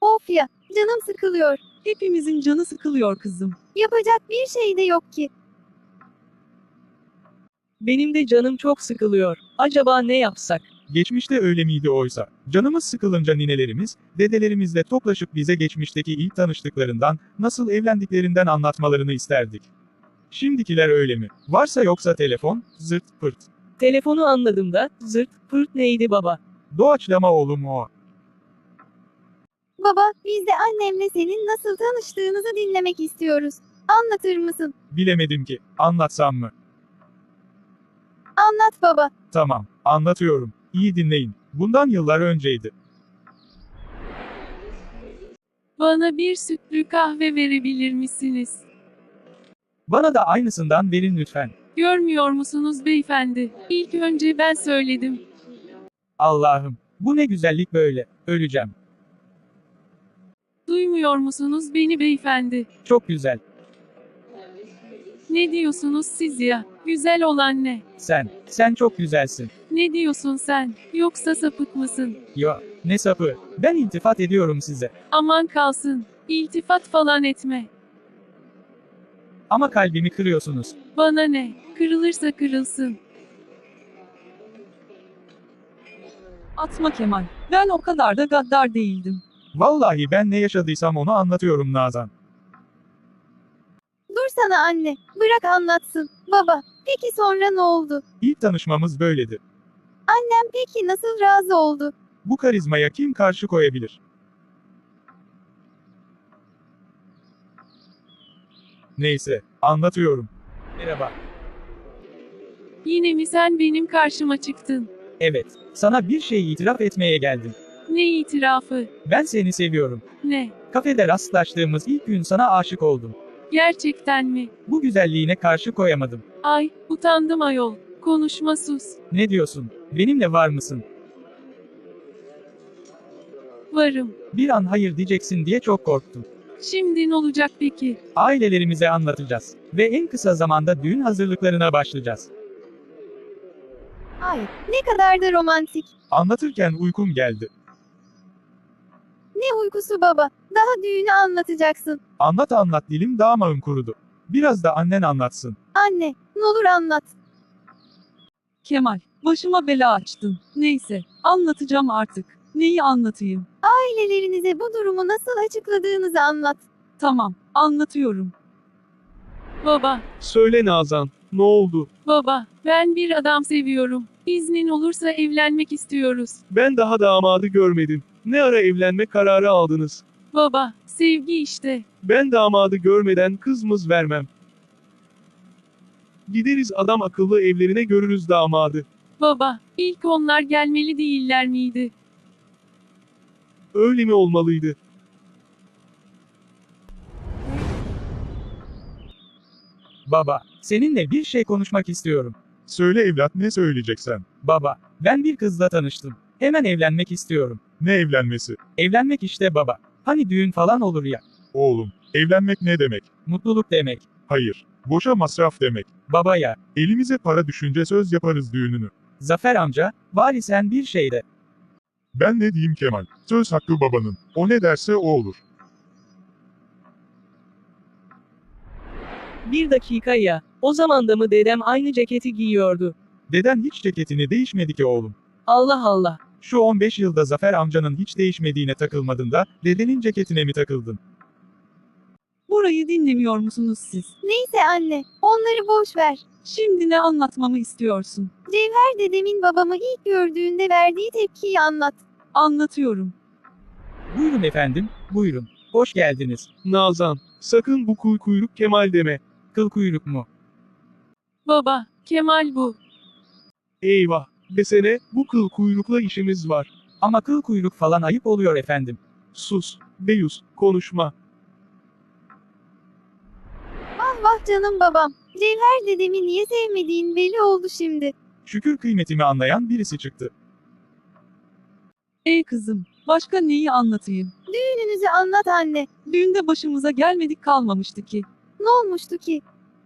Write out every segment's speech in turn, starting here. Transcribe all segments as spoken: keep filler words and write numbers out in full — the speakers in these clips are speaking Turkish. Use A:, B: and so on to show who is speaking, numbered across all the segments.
A: Of ya, canım sıkılıyor.
B: Hepimizin canı sıkılıyor kızım.
A: Yapacak bir şey de yok ki.
C: Benim de canım çok sıkılıyor. Acaba ne yapsak?
D: Geçmişte öyle miydi oysa? Canımız sıkılınca ninelerimiz, dedelerimizle toplaşıp bize geçmişteki ilk tanıştıklarından, nasıl evlendiklerinden anlatmalarını isterdik. Şimdikiler öyle mi? Varsa yoksa telefon, zırt pırt.
C: Telefonu anladım da, zırt, pırt neydi baba?
D: Doğaçlama oğlum o.
A: Baba, biz de annemle senin nasıl tanıştığınızı dinlemek istiyoruz. Anlatır mısın?
D: Bilemedim ki, anlatsam mı?
A: Anlat baba.
D: Tamam, anlatıyorum. İyi dinleyin. Bundan yıllar önceydi.
B: Bana bir sütlü kahve verebilir misiniz?
D: Bana da aynısından verin lütfen.
B: Görmüyor musunuz beyefendi? İlk önce ben söyledim.
D: Allah'ım, bu ne güzellik böyle, öleceğim.
B: Duymuyor musunuz beni beyefendi?
D: Çok güzel.
B: Ne diyorsunuz siz ya? Güzel olan ne?
D: Sen, sen çok güzelsin.
B: Ne diyorsun sen? Yoksa sapık mısın?
D: Yo, ne sapı. Ben iltifat ediyorum size.
B: Aman kalsın. İltifat falan etme.
D: Ama kalbimi kırıyorsunuz.
B: Bana ne? Kırılırsa kırılsın.
E: Atma Kemal. Ben o kadar da gaddar değildim.
D: Vallahi ben ne yaşadıysam onu anlatıyorum Nazan.
A: Dur sana anne. Bırak anlatsın. Baba, peki sonra ne oldu?
D: İlk tanışmamız böyledi.
A: Annem peki nasıl razı oldu?
D: Bu karizmaya kim karşı koyabilir? Neyse, anlatıyorum. Merhaba.
B: Yine mi sen benim karşıma çıktın?
D: Evet, sana bir şey itiraf etmeye geldim.
B: Ne itirafı?
D: Ben seni seviyorum.
B: Ne?
D: Kafede rastlaştığımız ilk gün sana aşık oldum.
B: Gerçekten mi?
D: Bu güzelliğine karşı koyamadım.
B: Ay, utandım ayol. Konuşma sus.
D: Ne diyorsun? Benimle var mısın?
B: Varım.
D: Bir an hayır diyeceksin diye çok korktum.
B: Şimdi ne olacak peki?
D: Ailelerimize anlatacağız. Ve en kısa zamanda düğün hazırlıklarına başlayacağız.
A: Ay, ne kadar da romantik.
D: Anlatırken uykum geldi.
A: Ne uykusu baba. Daha düğünü anlatacaksın.
D: Anlat anlat dilim damağım kurudu. Biraz da annen anlatsın.
A: Anne, ne olur anlat.
E: Kemal, başıma bela açtın. Neyse, anlatacağım artık. Neyi anlatayım?
A: Ailelerinize bu durumu nasıl açıkladığınızı anlat.
E: Tamam, anlatıyorum.
B: Baba,
F: Söyle Nazan, ne oldu?
B: baba, ben bir adam seviyorum. İznin olursa evlenmek istiyoruz.
F: Ben daha damadı görmedim. Ne ara evlenme kararı aldınız?
B: Baba, sevgi işte.
F: Ben damadı görmeden kızımız vermem. Gideriz adam akıllı evlerine görürüz damadı.
B: Baba, ilk onlar gelmeli değiller miydi?
F: Öyle mi olmalıydı?
D: Baba, seninle bir şey konuşmak istiyorum.
G: Söyle evlat, ne söyleyeceksen.
D: Baba, ben bir kızla tanıştım. Hemen evlenmek istiyorum.
G: Ne evlenmesi?
D: Evlenmek işte baba. Hani düğün falan olur ya.
G: Oğlum, evlenmek ne demek?
D: Mutluluk demek.
G: Hayır, boşa masraf demek.
D: Baba ya.
G: Elimize para düşünce söz yaparız düğününü.
D: Zafer amca, bari sen bir şey de.
G: Ben ne diyeyim Kemal? Söz hakkı babanın. O ne derse o olur.
C: Bir dakika ya. O zaman da mı dedem aynı ceketi giyiyordu?
D: Deden hiç ceketini değişmedi ki oğlum.
C: Allah Allah.
D: Şu on beş yılda Zafer amcanın hiç değişmediğine takılmadın da, dedenin ceketine mi takıldın?
E: Burayı dinlemiyor musunuz siz?
A: Neyse anne, onları boş ver.
E: Şimdi ne anlatmamı istiyorsun?
A: Cevher dedemin babamı ilk gördüğünde verdiği tepkiyi anlat.
E: Anlatıyorum.
D: Buyurun efendim, buyurun. Hoş geldiniz.
F: Nazan, sakın bu kuy kuyruk Kemal deme.
D: Kıl kuyruk mu?
B: Baba, Kemal bu.
F: Eyvah, desene, bu kıl kuyrukla işimiz var.
D: Ama kıl kuyruk falan ayıp oluyor efendim.
F: Sus, Deyus, konuşma.
A: Vah vah canım babam. Cevher dedemi niye sevmediğin belli oldu şimdi.
D: Şükür kıymetimi anlayan birisi çıktı.
E: Ey kızım, başka neyi anlatayım?
A: Düğününüzü anlat anne.
E: Düğünde başımıza gelmedik kalmamıştı ki.
A: Ne olmuştu ki?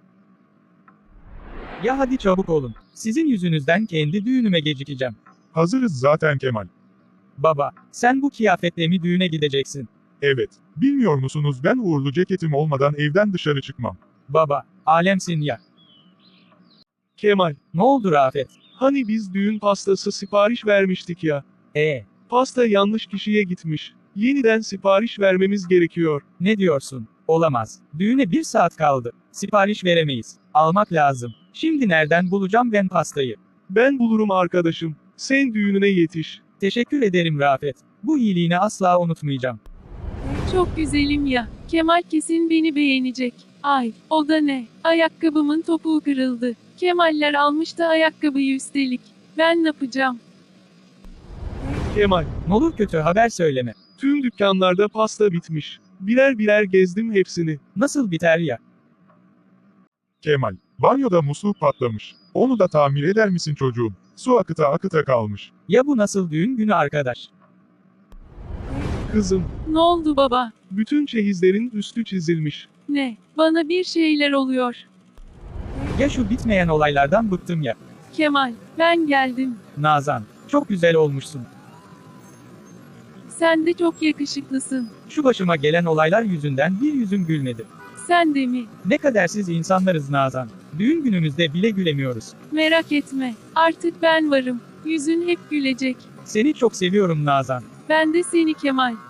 D: Ya hadi çabuk olun. Sizin yüzünüzden kendi düğünüme gecikeceğim.
G: Hazırız zaten Kemal.
D: Baba, sen bu kıyafetle mi düğüne gideceksin?
G: Evet. Bilmiyor musunuz ben uğurlu ceketim olmadan evden dışarı çıkmam.
C: Baba, alemsin ya.
F: Kemal,
C: Ne oldu Rafet?
F: hani biz düğün pastası sipariş vermiştik ya.
C: E,
F: Pasta yanlış kişiye gitmiş. Yeniden sipariş vermemiz gerekiyor.
C: ne diyorsun? Olamaz. Düğüne bir saat kaldı. Sipariş veremeyiz. Almak lazım. Şimdi nereden bulacağım ben pastayı?
F: Ben bulurum arkadaşım. Sen düğününe yetiş.
C: Teşekkür ederim Rafet. Bu iyiliğini asla unutmayacağım.
B: Çok güzelim ya. Kemal kesin beni beğenecek. Ay, o da ne? Ayakkabımın topuğu kırıldı. Kemaller almış da ayakkabıyı üstelik. Ben ne yapacağım?
F: Kemal,
C: Ne olur kötü haber söyleme.
F: tüm dükkanlarda pasta bitmiş. Birer birer gezdim hepsini.
C: Nasıl biter ya?
G: Kemal, banyoda musluk patlamış. Onu da tamir eder misin çocuğum? Su akıta akıta kalmış.
C: Ya bu nasıl düğün günü arkadaş?
F: Kızım,
B: Ne oldu baba?
F: bütün çeyizlerin üstü çizilmiş.
B: Ne? Bana bir şeyler oluyor.
C: Ya şu bitmeyen olaylardan bıktım ya.
B: Kemal, ben geldim.
C: Nazan, çok güzel olmuşsun.
B: Sen de çok yakışıklısın.
C: Şu başıma gelen olaylar yüzünden bir yüzüm gülmedi.
B: Sen de mi?
C: Ne kadersiz insanlarız Nazan. Düğün günümüzde bile gülemiyoruz.
B: Merak etme. Artık ben varım. Yüzün hep gülecek.
C: Seni çok seviyorum Nazan.
B: Ben de seni Kemal.